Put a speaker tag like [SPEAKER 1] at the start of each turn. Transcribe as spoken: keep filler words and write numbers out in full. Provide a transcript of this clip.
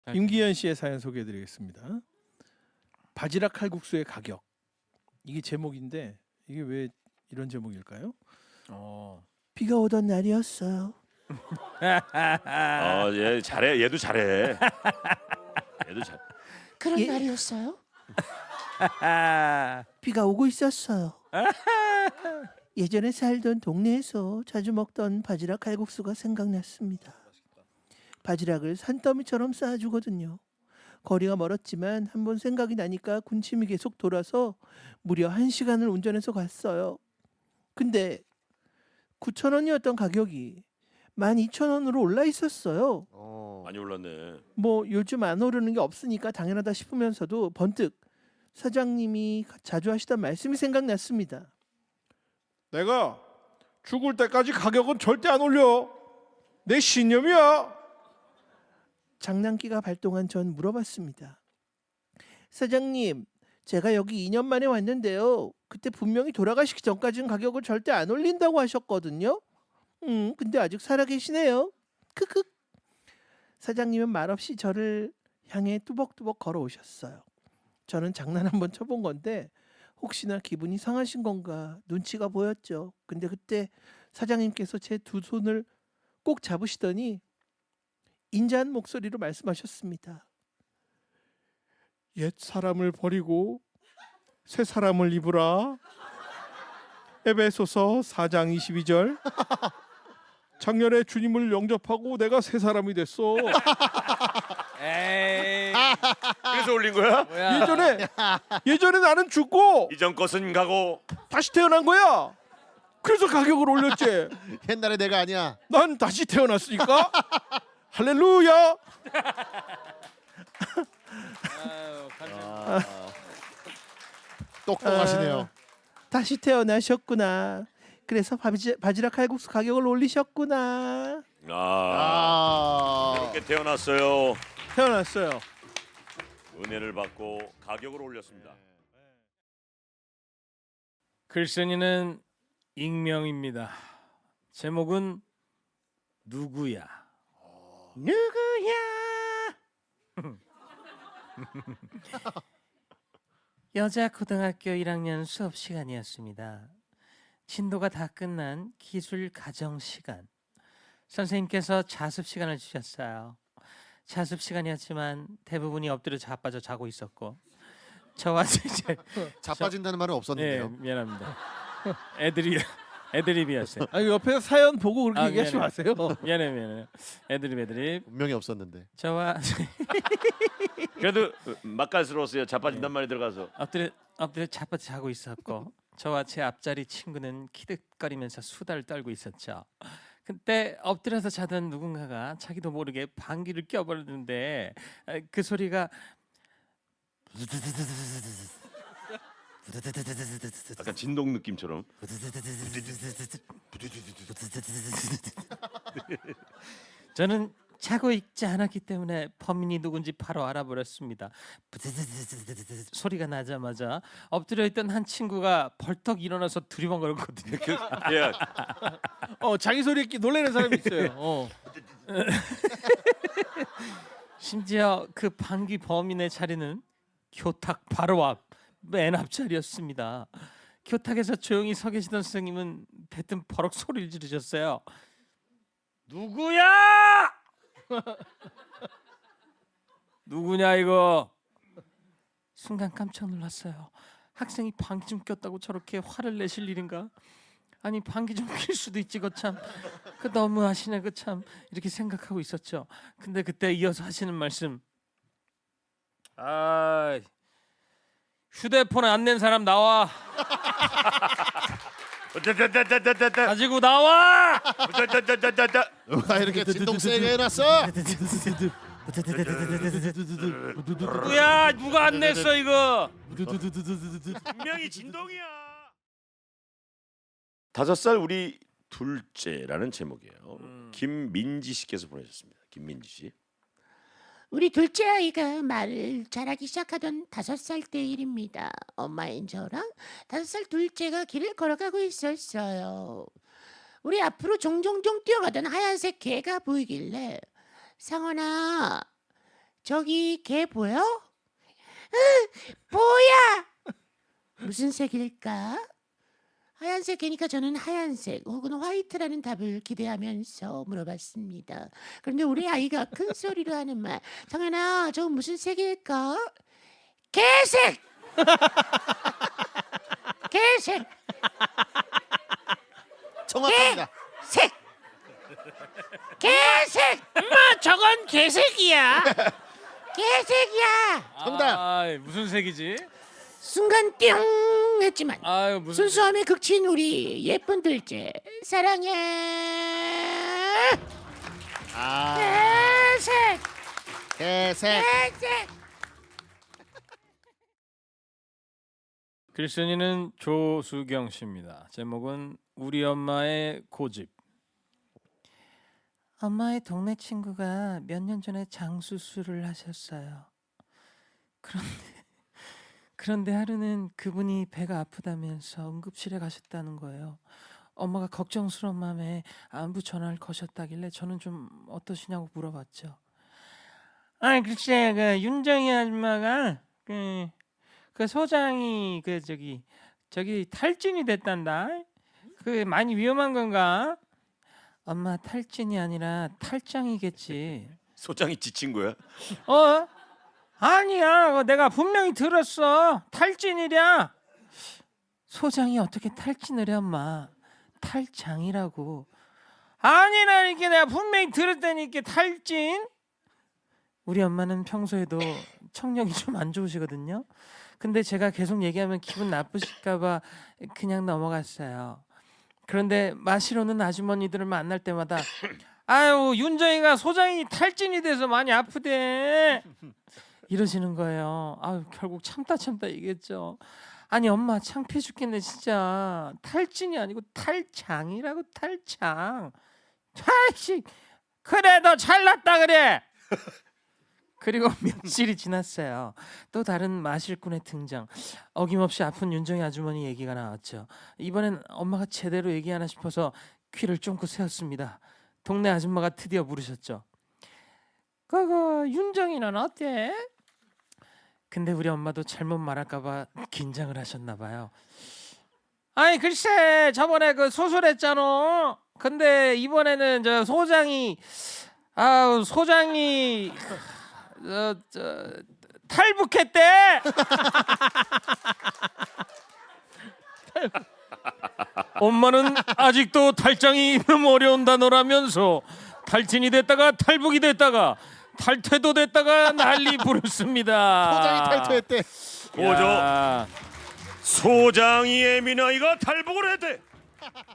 [SPEAKER 1] 임기현 씨의 사연 소개해드리겠습니다. 바지락 칼국수의 가격. 이게 제목인데 이게 왜 이런 제목일까요?
[SPEAKER 2] 어.
[SPEAKER 1] 비가 오던 날이었어요.
[SPEAKER 3] 아, 얘 잘해. 얘도 잘해. 얘도 잘.
[SPEAKER 4] 그런
[SPEAKER 1] 예?
[SPEAKER 4] 날이었어요?
[SPEAKER 1] 비가 오고 있었어요. 예전에 살던 동네에서 자주 먹던 바지락 칼국수가 생각났습니다. 바지락을 산더미처럼 쌓아주거든요. 거리가 멀었지만 한번 생각이 나니까 군침이 계속 돌아서 무려 한 시간을 운전해서 갔어요. 근데 구천 원이었던 가격이 만 이천 원으로 올라 있었어요.
[SPEAKER 5] 어.
[SPEAKER 3] 많이 올랐네.
[SPEAKER 1] 뭐 요즘 안 오르는 게 없으니까 당연하다 싶으면서도 번뜩 사장님이 자주 하시던 말씀이 생각났습니다.
[SPEAKER 6] 내가 죽을 때까지 가격은 절대 안 올려. 내 신념이야.
[SPEAKER 1] 장난기가 발동한 전 물어봤습니다. 사장님, 제가 여기 이 년 만에 왔는데요. 그때 분명히 돌아가시기 전까지는 가격을 절대 안 올린다고 하셨거든요. 음, 근데 아직 살아계시네요. 크크. 사장님은 말없이 저를 향해 뚜벅뚜벅 걸어오셨어요. 저는 장난 한번 쳐본 건데 혹시나 기분이 상하신 건가 눈치가 보였죠. 근데 그때 사장님께서 제 두 손을 꼭 잡으시더니 인자한 목소리로 말씀하셨습니다.
[SPEAKER 6] 옛 사람을 버리고 새 사람을 입으라. 에베소서 사 장 이십이 절. 작년에 주님을 영접하고 내가 새 사람이 됐어.
[SPEAKER 2] 에이.
[SPEAKER 3] 그래서 올린 거야?
[SPEAKER 2] 뭐야?
[SPEAKER 6] 예전에 예전에 나는 죽고
[SPEAKER 3] 이전 것은 가고.
[SPEAKER 6] 다시 태어난 거야. 그래서 가격을 올렸지.
[SPEAKER 5] 옛날에 내가 아니야.
[SPEAKER 6] 난 다시 태어났으니까. 할렐루야.
[SPEAKER 2] 아유, 감사합니다.
[SPEAKER 5] 아. 똑똑하시네요.
[SPEAKER 1] 다시 태어나셨구나. 그래서 바지, 바지락 칼국수 가격을 올리셨구나.
[SPEAKER 3] 아,
[SPEAKER 5] 아.
[SPEAKER 3] 이렇게 태어났어요.
[SPEAKER 1] 태어났어요.
[SPEAKER 3] 은혜를 받고 가격을 올렸습니다.
[SPEAKER 2] 글쓴이는 익명입니다. 제목은 누구야?
[SPEAKER 1] 누구야?
[SPEAKER 2] 여자 고등학교 일 학년 수업 시간이었습니다. 진도가 다 끝난 기술 가정 시간. 선생님께서 자습 시간을 주셨어요. 자습 시간이었지만 대부분이 엎드려 자빠져 자고 있었고 저와 제
[SPEAKER 5] 자빠진다는 말은
[SPEAKER 2] 네,
[SPEAKER 5] 없었는데요.
[SPEAKER 2] 미안합니다. 애들이 애드립이었어요.
[SPEAKER 1] 아니 옆에서 사연 보고 그렇게
[SPEAKER 2] 아,
[SPEAKER 1] 얘기하지
[SPEAKER 2] 미안해.
[SPEAKER 1] 마세요.
[SPEAKER 2] 미안해 미안해. 애드립 애드립.
[SPEAKER 5] 분명히 없었는데.
[SPEAKER 2] 저와
[SPEAKER 3] 그래도 맛깔스러웠어요. 자빠진단 말이 들어가서.
[SPEAKER 2] 엎드려 엎드려 자빠져 자고 있었고 저와 제 앞자리 친구는 키득거리면서 수다를 떨고 있었죠. 그때 엎드려서 자던 누군가가 자기도 모르게 방귀를 껴버렸는데 그 소리가
[SPEAKER 3] 약간 진동 느낌처럼.
[SPEAKER 2] 저는 자고 있지 않았기 때문에 범인이 누군지 바로 알아버렸습니다. 소리가 나자마자 엎드려 있던 한 친구가 벌떡 일어나서 두리번거렸거든요.
[SPEAKER 3] 그, 예.
[SPEAKER 1] 어 자기 소리에 끼 놀라는 사람이 있어요. 어.
[SPEAKER 2] 심지어 그 방귀 범인의 자리는 교탁 바로 앞 맨 앞자리였습니다. 교탁에서 조용히 서 계시던 선생님은 대뜸 버럭 소리를 지르셨어요. 누구야? 누구냐 이거? 순간 깜짝 놀랐어요. 학생이 방귀 좀 꼈다고 저렇게 화를 내실 일인가? 아니 방귀 좀 낄 수도 있지 거참. 그 너무 하시네 그참 이렇게 생각하고 있었죠. 근데 그때 이어서 하시는 말씀. 아 휴대폰 안 낸 사람 나와. 가지고 나와.
[SPEAKER 5] 누가 이렇게 진동 세게 해놨어?
[SPEAKER 2] 누구야? 누가 안 냈어 이거?
[SPEAKER 3] 분명히 진동이야. 다섯 살 우리 둘째라는 제목이에요.
[SPEAKER 2] 음.
[SPEAKER 3] 김민지 씨께서 보내셨습니다. 김민지 씨.
[SPEAKER 4] 우리 둘째 아이가 말을 잘하기 시작하던 다섯 살 때 일입니다. 엄마인 저랑 다섯 살 둘째가 길을 걸어가고 있었어요. 우리 앞으로 종종종 뛰어가던 하얀색 개가 보이길래 상원아 저기 개 보여? 으, 뭐야? 무슨 색일까? 하얀색 개니까 저는 하얀색 혹은 화이트라는 답을 기대하면서 물어봤습니다. 그런데 우리 아이가 큰 소리로 하는 말. 정연아, 저거 무슨 색일까? 개색! 개색!
[SPEAKER 5] 정확합니다.
[SPEAKER 4] 색! 개색!
[SPEAKER 2] 엄마 저건 개색이야.
[SPEAKER 4] 개색이야!
[SPEAKER 5] 정답.
[SPEAKER 2] 아, 무슨 색이지?
[SPEAKER 4] 순간 띵 했지만
[SPEAKER 2] 아유 무슨
[SPEAKER 4] 순수함에 그친 우리 예쁜 둘째 사랑해.
[SPEAKER 5] 아,
[SPEAKER 4] 개색!
[SPEAKER 5] 개색.
[SPEAKER 4] 개색!
[SPEAKER 2] 글쓴이는 조수경 씨입니다. 제목은 우리 엄마의 고집. 엄마의 동네 친구가 몇 년 전에 장 수술을 하셨어요. 그런데 그런데 하루는 그분이 배가 아프다면서 응급실에 가셨다는 거예요. 엄마가 걱정스러운 마음에 안부 전화를 거셨다길래 저는 좀 어떠시냐고 물어봤죠. 아 글쎄 그 윤정희 아줌마가 그, 그 소장이 그 저기 저기 탈진이 됐단다. 그 많이 위험한 건가? 엄마 탈진이 아니라 탈장이겠지.
[SPEAKER 3] 소장이 지친 거야?
[SPEAKER 2] 어? 아니야. 그거 내가 분명히 들었어. 탈진이랴. 소장이 어떻게 탈진을 해 엄마. 탈장이라고. 아니라니까 내가 분명히 들었다니까 탈진. 우리 엄마는 평소에도 청력이 좀 안 좋으시거든요. 근데 제가 계속 얘기하면 기분 나쁘실까 봐 그냥 넘어갔어요. 그런데 마시러는 아주머니들을 만날 때마다 아유 윤정이가 소장이 탈진이 돼서 많이 아프대 이러시는 거예요. 아유 결국 참다 참다 얘기했죠. 아니 엄마 창피해 죽겠네 진짜. 탈진이 아니고 탈장이라고. 탈장. 탈씨 그래 너 잘났다 그래. 그리고 며칠이 지났어요. 또 다른 마실꾼의 등장. 어김없이 아픈 윤정이 아주머니 얘기가 나왔죠. 이번엔 엄마가 제대로 얘기하나 싶어서 귀를 쫑긋 세웠습니다. 동네 아줌마가 드디어 물으셨죠. 그거 윤정이는 어때? 근데 우리 엄마도 잘못 말할까 봐 긴장을 하셨나 봐요. 아니 글쎄 저번에 그 수술했잖아. 근데 이번에는 저 소장이 아우 소장이 저, 저, 탈북했대. 엄마는 아직도 탈장이 너무 어려운 단어라면서 탈진이 됐다가 탈북이 됐다가 탈퇴도 됐다가 난리 부르습니다.
[SPEAKER 5] 소장이 탈퇴했대.
[SPEAKER 3] 고조 소장이 예민아이가 탈북을 했대.